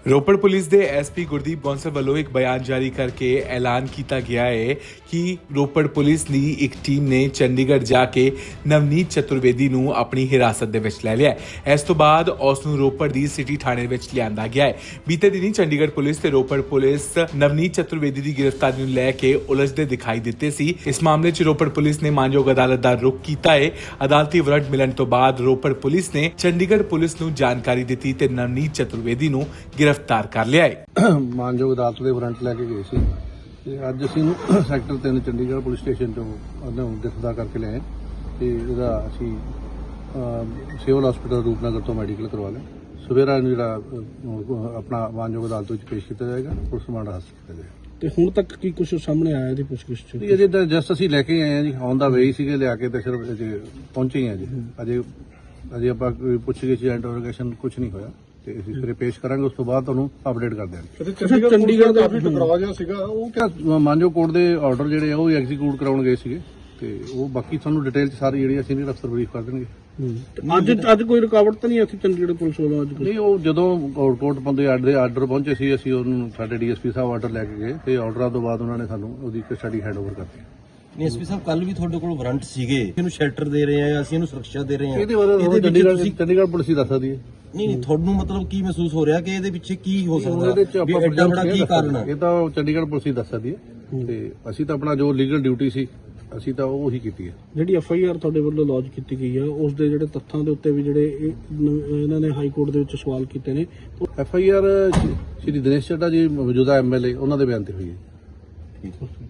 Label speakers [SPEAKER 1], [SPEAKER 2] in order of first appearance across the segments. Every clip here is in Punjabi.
[SPEAKER 1] ਰੋਪੜ ਪੁਲਿਸ ਦੇ ਐਸਪੀ ਗੁਰਦੀਪ ਬੌਂਸਲ ਵੱਲੋਂ ਇੱਕ ਬਿਆਨ ਜਾਰੀ ਕਰਕੇ ਐਲਾਨ ਕੀਤਾ ਗਿਆ ਹੈ ਕਿ ਰੋਪੜ ਪੁਲਿਸ ਦੀ ਇੱਕ ਟੀਮ ਨੇ ਚੰਡੀਗੜ੍ਹ ਜਾ ਕੇ ਨਵਨੀਤ ਚਤੁਰਵੇਦੀ ਨੂੰ ਆਪਣੀ ਹਿਰਾਸਤ ਦੇ ਵਿੱਚ ਲੈ ਲਿਆ ਹੈ। ਇਸ ਤੋਂ ਬਾਅਦ ਉਸ ਨੂੰ ਰੋਪੜ ਦੀ ਸਿਟੀ ਥਾਣੇ ਵਿੱਚ ਲਿਆਂਦਾ ਗਿਆ ਹੈ। ਬੀਤੇ ਦਿਨੀ ਚੰਡੀਗੜ੍ਹ ਪੁਲਿਸ ਤੇ ਰੋਪੜ ਪੁਲਿਸ ਨਵਨੀਤ ਚਤੁਰਵੇਦੀ ਦੀ ਗ੍ਰਿਫਤਾਰੀ ਨੂੰ ਲੈ ਕੇ ਉਲਝਦੇ ਦਿਖਾਈ ਦਿੱਤੇ ਸੀ। ਇਸ ਮਾਮਲੇ 'ਚ ਰੋਪੜ ਪੁਲਿਸ ਨੇ ਮਾਨਯੋਗ ਅਦਾਲਤ ਦਾ ਰੁਖ ਕੀਤਾ ਹੈ। ਅਦਾਲਤੀ ਵਾਰੰਟ ਮਿਲਣ ਤੋਂ ਬਾਅਦ ਰੋਪੜ ਪੁਲਿਸ ਨੇ ਚੰਡੀਗੜ੍ਹ ਪੁਲਿਸ ਨੂੰ ਜਾਣਕਾਰੀ ਦਿੱਤੀ ਤੇ ਨਵਨੀਤ ਚਤੁਰਵੇਦੀ ਨੂੰ गिरफ्तार कर लिया है।
[SPEAKER 2] मानयोग अदालत के वारंट लैके गए सी ते अज असीं सैक्टर 3 चंडीगढ़ पुलिस स्टेशन तो गिरफ्तार करके लिआए ते इहदा असीं सिविल हॉस्पिटल रूपनगर तो मैडिकल करवा लिया। सवेरा जिहड़ा अपना मानयोग अदालत विच पेश किया जाएगा, पुलिस रिमांड हासिल किया जाएगा।
[SPEAKER 3] ਤੇ ਹੁਣ ਤੱਕ ਕੀ ਕੁਝ ਸਾਹਮਣੇ ਆਇਆ ਇਹਦੀ ਪੁੱਛਗਿੱਛ ਚ?
[SPEAKER 2] ਅਜੇ ਤਾਂ ਜਸਟ ਅਸੀਂ ਲੈ ਕੇ ਆਏ ਆ ਜੀ, ਔਨ ਦਾ ਵੇ ਸੀਗੇ, ਲਿਆ ਕੇ ਤੇ ਸਿਰਫ ਅਜੇ ਪਹੁੰਚੇ ਹੀ ਆ ਜੀ। ਅਜੇ ਆਪਾਂ ਕੋਈ ਪੁੱਛਗਿੱਛ ਜਾਂ ਇੰਟਰੋਗੇਸ਼ਨ ਕੁਝ ਨਹੀਂ ਹੋਇਆ ਤੇ ਅਸੀਂ ਫਿਰ ਪੇਸ਼ ਕਰਾਂਗੇ, ਉਸ ਤੋਂ ਬਾਅਦ ਤੁਹਾਨੂੰ ਅਪਡੇਟ ਕਰ ਦਿਆਂਗੇ।
[SPEAKER 3] ਚੰਡੀਗੜ੍ਹ ਦਾ
[SPEAKER 2] ਕਾਫੀ ਟਕਰਾਅ ਜਿਹਾ ਸੀਗਾ, ਉਹ ਕਿਆ ਮਾਨਯੋਗ ਕੋਰਟ ਦੇ ਆਰਡਰ ਜਿਹੜੇ ਆ ਉਹ ਐਗਜ਼ੀਕਿਊਟ ਕਰਾਉਣ ਗਏ ਸੀਗੇ ਤੇ ਉਹ ਬਾਕੀ ਤੁਹਾਨੂੰ ਡਿਟੇਲ ਚ ਸਾਰੀ ਜਿਹੜੀ ਸੀਨੀਅਰ ਅਫਸਰ ਬਰੀਫ ਕਰ ਦੇਣਗੇ।
[SPEAKER 3] ਅੱਜ ਕੋਈ ਰੁਕਾਵਟ ਤਾਂ ਨਹੀਂ ਆਈ ਚੰਡੀਗੜ੍ਹ ਪੁਲਿਸ ਵੱਲੋਂ? ਅੱਜ
[SPEAKER 2] ਨਹੀਂ, ਉਹ ਜਦੋਂ ਕੋਰਟ ਬੰਦੇ ਆਰਡਰ ਪਹੁੰਚੇ ਸੀ, ਅਸੀਂ ਉਹਨੂੰ ਸਾਡੇ ਡੀਐਸਪੀ ਸਾਹਿਬ ਆਰਡਰ ਲੈ ਕੇ ਗਏ ਤੇ ਆਰਡਰਾਂ ਤੋਂ ਬਾਅਦ ਉਹਨਾਂ ਨੇ ਸਾਨੂੰ ਉਹਦੀ ਕਸਟਡੀ ਹੈਂਡਓਵਰ ਕਰਤੀ।
[SPEAKER 4] ਡੀਐਸਪੀ ਸਾਹਿਬ ਕੱਲ ਵੀ ਤੁਹਾਡੇ ਕੋਲ ਵਾਰੰਟ ਸੀਗੇ, ਇਹਨੂੰ ਸ਼ੈਲਟਰ ਦੇ ਰਹੇ ਆ, ਅਸੀਂ ਇਹਨੂੰ ਸੁਰੱਖਿਆ ਦੇ ਰਹੇ ਆ।
[SPEAKER 2] ਇਹਦੇ ਬਾਰੇ ਚੰਡੀਗੜ੍ਹ ਪੁਲਿਸ ਹੀ ਦੱਸ ਸਕਦੀ ਹੈ।
[SPEAKER 4] ਨਹੀਂ, ਤੁਹਾਨੂੰ ਮਤਲਬ ਕੀ ਮਹਿਸੂਸ ਹੋ ਰਿਹਾ ਕਿ ਇਹਦੇ ਪਿੱਛੇ ਕੀ ਹੋ ਸਕਦਾ, ਵੀ ਐਡਾ ਬੜਾ ਕੀ ਕਾਰਨ ਹੈ?
[SPEAKER 2] ਇਹ ਤਾਂ ਚੰਡੀਗੜ੍ਹ ਪੁਲਿਸ ਹੀ ਦੱਸ ਸਕਦੀ ਹੈ ਤੇ ਅਸੀਂ ਤਾਂ ਆਪਣਾ ਜੋ ਲੀਗਲ ਡਿਊਟੀ ਸੀ ਅਸੀਂ ਤਾਂ ਉਹ ਹੀ ਕੀਤੀ ਹੈ।
[SPEAKER 3] ਜਿਹੜੀ ਐਫਆਈਆਰ ਤੁਹਾਡੇ ਵੱਲੋਂ ਲੌਂਚ ਕੀਤੀ ਗਈ ਆ, ਉਸ ਦੇ ਜਿਹੜੇ ਤੱਥਾਂ ਦੇ ਉੱਤੇ ਵੀ ਜਿਹੜੇ ਇਹਨਾਂ ਨੇ ਹਾਈ ਕੋਰਟ ਦੇ ਵਿੱਚ ਸਵਾਲ ਕੀਤੇ ਨੇ।
[SPEAKER 2] ਐਫਆਈਆਰ ਸ਼੍ਰੀ ਦਿਨੇਸ਼ ਚੱਡਾ ਜੀ ਮੌਜੂਦਾ ਐਮਐਲਏ ਉਹਨਾਂ ਦੇ ਬਿਆਨ ਤੇ ਹੋਈ ਹੈ।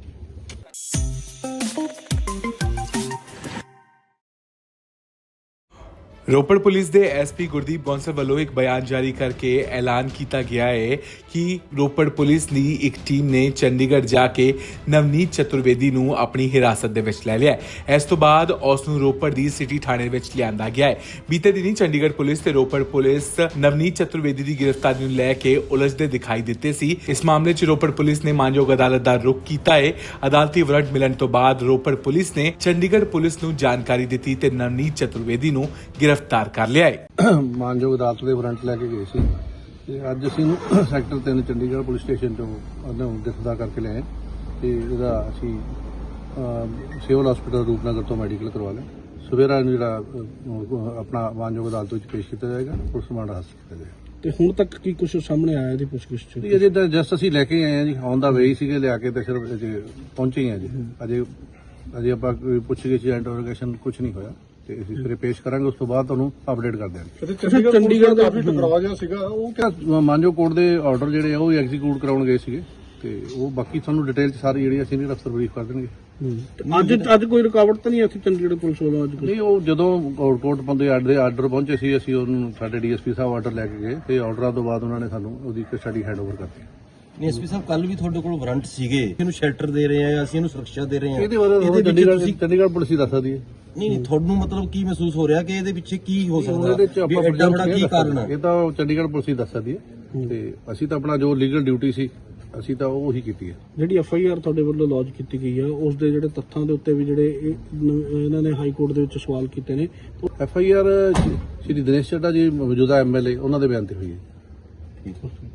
[SPEAKER 1] ਰੋਪੜ ਪੁਲਿਸ ਦੇ ਐਸਪੀ ਗੁਰਦੀਪ ਬੌਂਸਲ ਵੱਲੋਂ ਇੱਕ ਬਿਆਨ ਜਾਰੀ ਕਰਕੇ ਐਲਾਨ ਕੀਤਾ ਗਿਆ ਹੈ ਕਿ ਰੋਪੜ ਪੁਲਿਸ ਦੀ ਇੱਕ ਟੀਮ ਨੇ ਚੰਡੀਗੜ੍ਹ ਜਾ ਕੇ ਨਵਨੀਤ ਚਤੁਰਵੇਦੀ ਨੂੰ ਆਪਣੀ ਹਿਰਾਸਤ ਦੇ ਵਿੱਚ ਲੈ ਲਿਆ ਹੈ। ਇਸ ਤੋਂ ਬਾਅਦ ਉਸ ਨੂੰ ਰੋਪੜ ਦੀ ਸਿਟੀ ਥਾਣੇ ਵਿੱਚ ਲਿਆਂਦਾ ਗਿਆ ਹੈ। ਬੀਤੇ ਦਿਨੀ ਚੰਡੀਗੜ੍ਹ ਪੁਲਿਸ ਤੇ ਰੋਪੜ ਪੁਲਿਸ ਨਵਨੀਤ ਚਤੁਰਵੇਦੀ ਦੀ ਗ੍ਰਿਫਤਾਰੀ ਨੂੰ ਲੈ ਕੇ ਉਲਝਦੇ ਦਿਖਾਈ ਦਿੱਤੇ ਸੀ। ਇਸ ਮਾਮਲੇ 'ਚ ਰੋਪੜ ਪੁਲਿਸ ਨੇ ਮਾਨਯੋਗ ਅਦਾਲਤ ਦਾ ਰੁਖ ਕੀਤਾ ਹੈ। ਅਦਾਲਤੀ ਵਾਰੰਟ ਮਿਲਣ ਤੋਂ ਬਾਅਦ ਰੋਪੜ ਪੁਲਿਸ ਨੇ ਚੰਡੀਗੜ੍ਹ ਪੁਲਿਸ ਨੂੰ ਜਾਣਕਾਰੀ ਦਿੱਤੀ ਤੇ ਨਵਨੀਤ ਚਤੁਰਵੇਦੀ ਨੂੰ गिरफ्तार कर लिया है।
[SPEAKER 2] मानयोग अदालत के वारंट लैके गए सी ते अज असीं सैक्टर 3 चंडीगढ़ पुलिस स्टेशन तो गिरफ्तार करके लिआए ते इहदा असीं सिविल हॉस्पिटल रूपनगर तो मैडिकल करवा लिया। सवेरा जिहड़ा अपना मानयोग अदालत विच पेश किया जाएगा, पुलिस रिमांड हासिल किया जाएगा।
[SPEAKER 3] ਤੇ ਹੁਣ ਤੱਕ ਕੀ ਕੁਝ ਸਾਹਮਣੇ ਆਇਆ ਇਹਦੀ ਪੁੱਛਗਿੱਛ ਚ?
[SPEAKER 2] ਅਜੇ ਤਾਂ ਜਸਟ ਅਸੀਂ ਲੈ ਕੇ ਆਏ ਆ ਜੀ, ਔਨ ਦਾ ਵੇ ਸੀਗੇ, ਲਿਆ ਕੇ ਤੇ ਸਿਰਫ ਅਜੇ ਪਹੁੰਚੇ ਹੀ ਆ ਜੀ। ਅਜੇ ਆਪਾਂ ਕੋਈ ਪੁੱਛਗਿੱਛ ਜਾਂ ਇੰਟਰੋਗੇਸ਼ਨ ਕੁਝ ਨਹੀਂ ਹੋਇਆ ਤੇ ਅਸੀਂ ਫਿਰ ਪੇਸ਼ ਕਰਾਂਗੇ, ਉਸ ਤੋਂ ਬਾਅਦ ਤੁਹਾਨੂੰ ਅਪਡੇਟ ਕਰ ਦਿਆਂਗੇ।
[SPEAKER 3] ਚੰਡੀਗੜ੍ਹ ਦਾ
[SPEAKER 2] ਕਾਫੀ ਟਕਰਾਅ ਜਿਹਾ ਸੀਗਾ, ਉਹ ਕਿਆ ਮਾਨਯੋਗ ਕੋਰਟ ਦੇ ਆਰਡਰ ਜਿਹੜੇ ਆ ਉਹ ਐਗਜ਼ੀਕਿਊਟ ਕਰਾਉਣ ਗਏ ਸੀਗੇ ਤੇ ਉਹ ਬਾਕੀ ਤੁਹਾਨੂੰ ਡਿਟੇਲ ਚ ਸਾਰੀ ਜਿਹੜੀ ਸੀਨੀਅਰ ਅਫਸਰ ਬਰੀਫ ਕਰ ਦੇਣਗੇ।
[SPEAKER 3] ਅੱਜ ਕੋਈ ਰੁਕਾਵਟ ਤਾਂ ਨਹੀਂ ਆਈ ਚੰਡੀਗੜ੍ਹ ਪੁਲਿਸ ਵੱਲੋਂ? ਅੱਜ
[SPEAKER 2] ਨਹੀਂ, ਉਹ ਜਦੋਂ ਕੋਰਟ ਬੰਦੇ ਆਰਡਰ ਪਹੁੰਚੇ ਸੀ, ਅਸੀਂ ਉਹਨੂੰ ਸਾਡੇ ਡੀਐਸਪੀ ਸਾਹਿਬ ਆਰਡਰ ਲੈ ਕੇ ਗਏ ਤੇ ਆਰਡਰਾਂ ਤੋਂ ਬਾਅਦ ਉਹਨਾਂ ਨੇ ਸਾਨੂੰ ਉਹਦੀ ਕਸਟਡੀ ਹੈਂਡਓਵਰ ਕਰਤੀ।
[SPEAKER 4] ਡੀਐਸਪੀ ਸਾਹਿਬ ਕੱਲ ਵੀ ਤੁਹਾਡੇ ਕੋਲ ਵਾਰੰਟ ਸੀਗੇ, ਇਹਨੂੰ ਸ਼ੈਲਟਰ ਦੇ ਰਹੇ ਆ, ਅਸੀਂ ਇਹਨੂੰ ਸੁਰੱਖਿਆ ਦੇ ਰਹੇ ਆ।
[SPEAKER 2] ਇਹਦੇ ਬਾਰੇ ਚੰਡੀਗੜ੍ਹ ਪੁਲਿਸ ਹੀ ਦੱਸ ਸਕਦੀ ਹੈ।
[SPEAKER 4] ਨਹੀਂ, ਤੁਹਾਨੂੰ ਮਤਲਬ ਕੀ ਮਹਿਸੂਸ ਹੋ ਰਿਹਾ ਕਿ ਇਹਦੇ ਪਿੱਛੇ ਕੀ ਹੋ ਸਕਦਾ, ਵੀ ਐਡਾ ਬੜਾ ਕੀ ਕਾਰਨ ਹੈ?
[SPEAKER 2] ਇਹ ਤਾਂ ਚੰਡੀਗੜ੍ਹ ਪੁਲਿਸ ਹੀ ਦੱਸ ਸਕਦੀ ਹੈ ਤੇ ਅਸੀਂ ਤਾਂ ਆਪਣਾ ਜੋ ਲੀਗਲ ਡਿਊਟੀ ਸੀ ਅਸੀਂ ਤਾਂ ਉਹ ਹੀ ਕੀਤੀ ਹੈ।
[SPEAKER 3] ਜਿਹੜੀ ਐਫਆਈਆਰ ਤੁਹਾਡੇ ਵੱਲੋਂ ਲੌਂਚ ਕੀਤੀ ਗਈ ਆ, ਉਸ ਦੇ ਜਿਹੜੇ ਤੱਥਾਂ ਦੇ ਉੱਤੇ ਵੀ ਜਿਹੜੇ ਇਹਨਾਂ ਨੇ ਹਾਈ ਕੋਰਟ ਦੇ ਵਿੱਚ ਸਵਾਲ ਕੀਤੇ ਨੇ।
[SPEAKER 2] ਐਫਆਈਆਰ ਸ਼੍ਰੀ ਦਿਨੇਸ਼ ਚੱਡਾ ਜੀ ਮੌਜੂਦਾ ਐਮਐਲਏ ਉਹਨਾਂ ਦੇ ਬਿਆਨ ਤੇ ਹੋਈ ਹੈ।